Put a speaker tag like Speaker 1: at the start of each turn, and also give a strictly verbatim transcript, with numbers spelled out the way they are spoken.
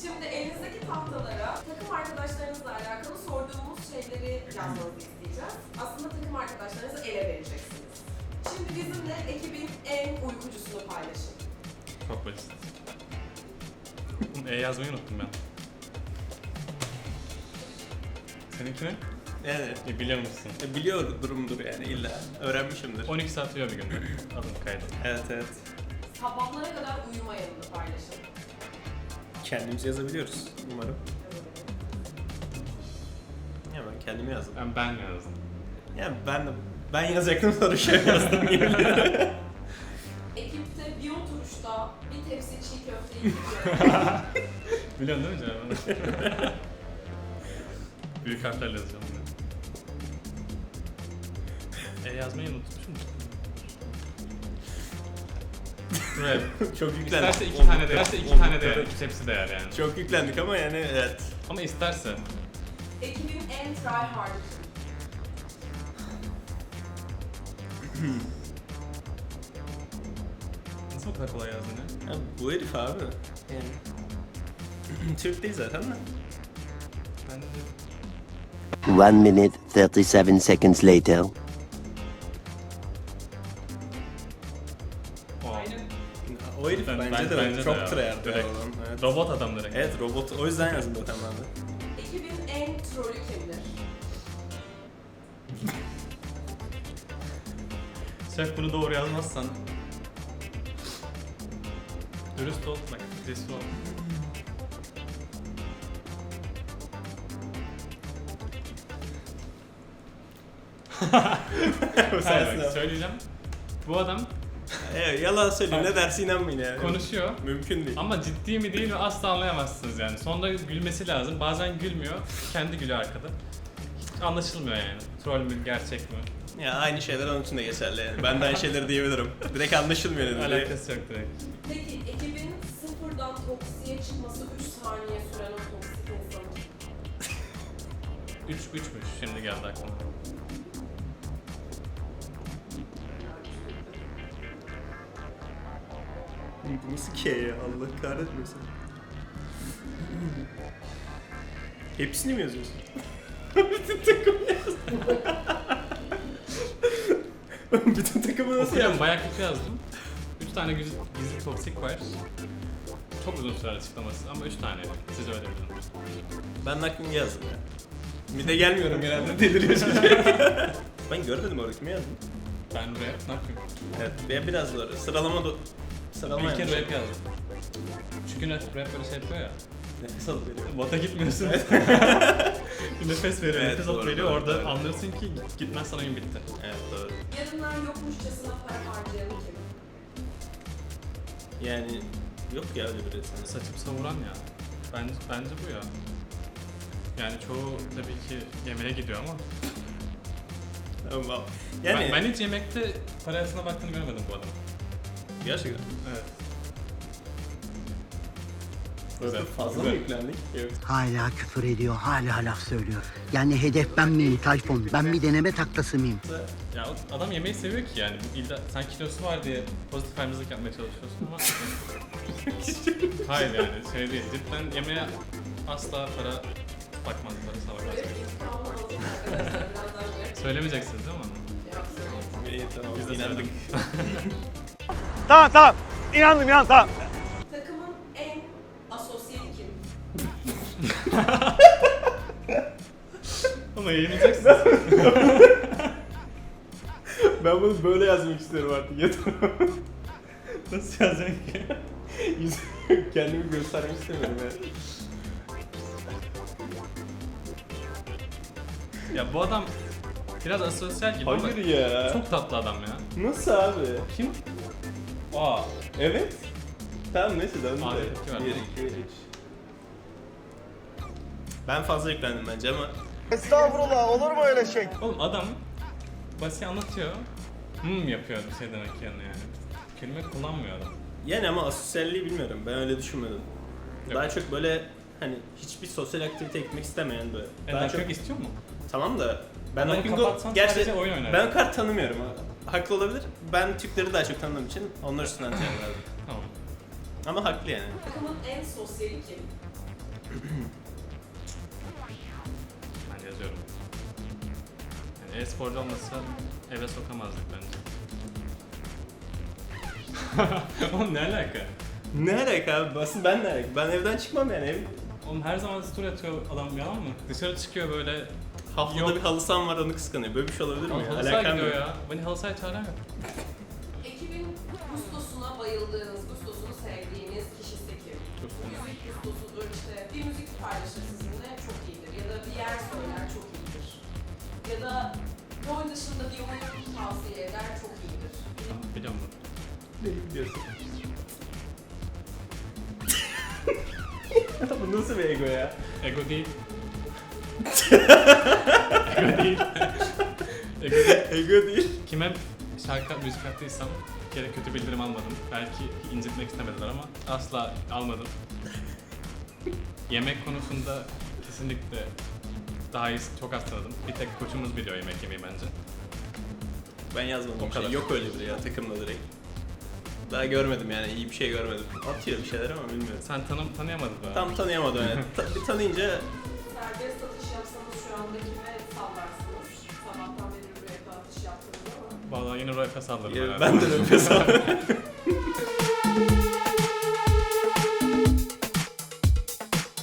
Speaker 1: Şimdi elinizdeki tahtalara takım arkadaşlarınızla alakalı sorduğumuz şeyleri yazmanızı isteyeceğiz. Aslında takım arkadaşlarınızı ele vereceksiniz. Şimdi bizimle ekibin en uykucusunu paylaşın.
Speaker 2: Çok basit. E yazmayı unuttum ben. Seninki ne?
Speaker 3: Evet.
Speaker 2: E, biliyor musun?
Speaker 3: E, biliyor durumdur yani illa. Öğrenmişimdir.
Speaker 2: on iki saat uyuyor bir günde. Adım kaydı.
Speaker 3: Evet evet.
Speaker 1: Sabahlara kadar uyumayanını paylaşın.
Speaker 3: Kendimiz yazabiliyoruz umarım. Ya ben kendimi yazdım.
Speaker 2: Ben, ben yazdım.
Speaker 3: Ya ben de ben yazacaktım sonra şey yazdım gibi.
Speaker 1: Ekipte bir oturuşta bir tepsi çiğ köfte yiyeceğiz.
Speaker 2: Biliyorsun değil mi canım? Büyük harflerle yazacağım bunu. E yazmayı unutmuşum. Rap.
Speaker 3: Çok yüklendik.
Speaker 2: İsterse iki tane de, isterse iki tane de iki tepsi değer yani.
Speaker 3: Çok yüklendik ama yani evet.
Speaker 2: Ama isterse.
Speaker 1: Ekibin en tryhard'ı kim?
Speaker 2: Nasıl o kadar kolay yazdın ya?
Speaker 3: Ya bu herif abi. Yani. Türk değil zaten de.
Speaker 2: Ben de...
Speaker 4: One minute, thirty-seven seconds later.
Speaker 2: O.
Speaker 3: O herif
Speaker 2: Ben-
Speaker 3: bence
Speaker 2: ben-
Speaker 3: de
Speaker 2: bence de
Speaker 3: çok
Speaker 2: ya.
Speaker 3: tryhard
Speaker 2: Direkt.
Speaker 3: olan. Evet.
Speaker 2: Robot adam direkt.
Speaker 3: Evet robot. O yüzden yazdım zaten ben de.
Speaker 1: Ekibin en trolü kimdir?
Speaker 2: Şef bunu doğru yazmazsan... Dürüst ol, bak cesur ol.
Speaker 3: O
Speaker 2: Hayır,
Speaker 3: sensin
Speaker 2: bak,
Speaker 3: abi.
Speaker 2: söyleyeceğim. Bu adam
Speaker 3: Evet yalan söylüyor. Ne dersi inanmayın yani.
Speaker 2: konuşuyor
Speaker 3: Mümkün değil.
Speaker 2: ama ciddi mi değil mi asla anlayamazsınız yani. Sonunda gülmesi lazım. Bazen gülmüyor. Kendi gülüyor arkada. Hiç anlaşılmıyor yani. Troll mü, gerçek mi?
Speaker 3: Ya aynı şeyler onun için de geçerli yani. Ben de aynı şeyleri diyebilirim. Direkt anlaşılmıyor ne dediği.
Speaker 2: Alakası yok direkt.
Speaker 1: Peki ekibin sıfırdan toksiye çıkması üç saniye süren o toksik insanı.
Speaker 2: üç üçmüş şimdi geldi aklıma.
Speaker 3: Bu nasıl K ya? Allah kahretmesin. Hepsini mi yazıyorsun? Bütün takımı yazdım. Bütün takımı nasıl
Speaker 2: Okuyorum
Speaker 3: yazdın?
Speaker 2: bayağı kötü yazdım. üç tane gizli, gizli toksik var. Çok uzun sürer açıklaması ama üç tane. Siz öyle bilin.
Speaker 3: Ben naklini yazdım ya. Bir de gelmiyorum genelde deliriyor çocuk. Ben görmedim orada kimi yazdım.
Speaker 2: Ben rap ne yapayım?
Speaker 3: Evet ben biraz doğru. Sıralama do... Sıralama
Speaker 2: Bir kere
Speaker 3: yanlış.
Speaker 2: rap yazdım. Çünkü rap rap böyle şey yapıyor ya.
Speaker 3: Nefes alıp veriyorum.
Speaker 2: Bota gitmiyorsun. Bir nefes veriyor,
Speaker 3: Evet,
Speaker 2: nefes
Speaker 3: doğru,
Speaker 2: alıp veriyor.
Speaker 3: doğru,
Speaker 2: Orada
Speaker 3: doğru.
Speaker 2: anlıyorsun ki gitmezsen oyun bitti.
Speaker 3: Evet doğru.
Speaker 1: Yarınlar yokmuşçasına para harcayan kim?
Speaker 3: Yani yok ya öyle bir resim.
Speaker 2: Saçıp savuran ya. Bence, bence bu ya. Yani çoğu tabii ki yemeğe gidiyor ama.
Speaker 3: Ama yani
Speaker 2: Ben, ben hiç yemekte parasına baktığını görmedim bu adamın.
Speaker 3: gerçekten.
Speaker 2: Evet.
Speaker 3: Güzel. Fazla mı
Speaker 2: Güzel.
Speaker 3: yüklendik? Yok.
Speaker 5: Hala küfür ediyor, hala laf söylüyor. Yani hedef ben miyim Tayfun? Ben bir deneme taklası mıyım?
Speaker 2: Ya o adam yemeği seviyor ki yani. İlla sen kilosu var diye pozitif ayrımcılık yapmaya çalışıyorsun ama... Hayır yani şey değil. Cidden yemeğe asla para bakmaz, parasına bakmaz.
Speaker 1: Böyle bir iddialı olsun arkadaşlar. Birazdan böyle
Speaker 2: Söylemeyeceksiniz değil mi onu?
Speaker 1: yapsın.
Speaker 3: İyi tamam.
Speaker 2: Biz de
Speaker 3: İnandık.
Speaker 6: Tamam tamam. İnandım inan tamam.
Speaker 1: Takımın en asosyal kim?
Speaker 2: Ama yayınlayacaksınız.
Speaker 3: Ben bunu böyle yazmak istiyorum artık. Yeter.
Speaker 2: Nasıl yazacaksın ki?
Speaker 3: Yüz- Kendimi göstermek istemiyorum yani.
Speaker 2: Ya bu adam biraz asosyal gibi ama
Speaker 3: Hayır ya.
Speaker 2: çok tatlı adam ya.
Speaker 3: Nasıl abi?
Speaker 2: Kim? Aa,
Speaker 3: Evet. Tamam neyse döndü
Speaker 2: Abi,
Speaker 3: de.
Speaker 2: tepki ver.
Speaker 3: Bir, iki, üç. Ben fazla yüklendim bence ama
Speaker 6: Estağfurullah olur mu öyle şey?
Speaker 2: oğlum adam basit anlatıyor. Hmm yapıyor bir şey demek yerine yani. Kelime kullanmıyor adam.
Speaker 3: yani ama asosyalliği bilmiyorum. Ben öyle düşünmedim.
Speaker 2: Yok.
Speaker 3: Daha çok böyle hani hiçbir sosyal aktivite gitmek istemeyen böyle.
Speaker 2: Yani daha çok istiyor mu?
Speaker 3: Tamam da ben
Speaker 2: Adamı
Speaker 3: o bingo
Speaker 2: kapatsan
Speaker 3: gerçi
Speaker 2: sadece oyun oynar.
Speaker 3: ben kart tanımıyorum ha. Haklı olabilir. Ben Türkleri daha çok tanıdığım için onlar üstünden cevap verdim.
Speaker 2: Tamam.
Speaker 3: Ama haklı yani.
Speaker 1: Takımın en sosyali kim?
Speaker 2: Ben yazıyorum. Yani e-sporcu olmasa eve sokamazdık bence. Oğlum ne alaka?
Speaker 3: Ne alaka abi? Aslında ben ne alaka? Ben evden çıkmam yani. Ev...
Speaker 2: Oğlum her zaman story atıyor adam, yalan mı? Dışarı çıkıyor böyle.
Speaker 3: Haftada
Speaker 2: Yok.
Speaker 3: bir halı saham var, onu kıskanıyor. Böyle bir şey olabilir mi?
Speaker 2: Oğlum
Speaker 3: ya?
Speaker 2: halı sahaya
Speaker 3: Alakam
Speaker 2: gidiyor
Speaker 3: yok.
Speaker 2: ya. Beni halı sahaya çağıran yok.
Speaker 1: Ekibin gustosuna bayıldığınız, gustosunu sevdiğiniz kişisi kim? Müzik gustosudur işte. Bir müzik paylaşır sizinle çok iyidir. Ya da bir yer söyler çok iyidir. Ya da rol dışında bir oyun tavsiye eder çok iyidir.
Speaker 2: Tamam, biliyorum bunu.
Speaker 3: Ne biliyorsun? Bu nasıl bir ego ya?
Speaker 2: Ego değil. Ego değil. Ego değil.
Speaker 3: Ego değil.
Speaker 2: Kime şarkı, müzik attıysam bir kere kötü bildirim almadım. Belki incitmek istemediler ama asla almadım. Yemek konusunda kesinlikle daha iyi, çok az tanıdım. Bir tek koçumuz biliyor yemek yemeyi bence.
Speaker 3: Ben yazmadım.
Speaker 2: O
Speaker 3: bir şey.
Speaker 2: kadar.
Speaker 3: Yok öyle biri ya takımda direkt. Daha görmedim yani, iyi bir şey görmedim. Atıyor bir şeyler ama bilmiyorum.
Speaker 2: Sen tanım tanıyamadın mı?
Speaker 3: Tam tanıyamadım yani. Ta- bir tanıyınca
Speaker 1: Serbest satış yapsanız şu anda kime sallarsınız? Sabahtan beri buraya atış yaptınız ama.
Speaker 2: Vallahi yine Royfa sallarım.
Speaker 3: ya,
Speaker 2: herhalde.
Speaker 3: ben de nefes aldım.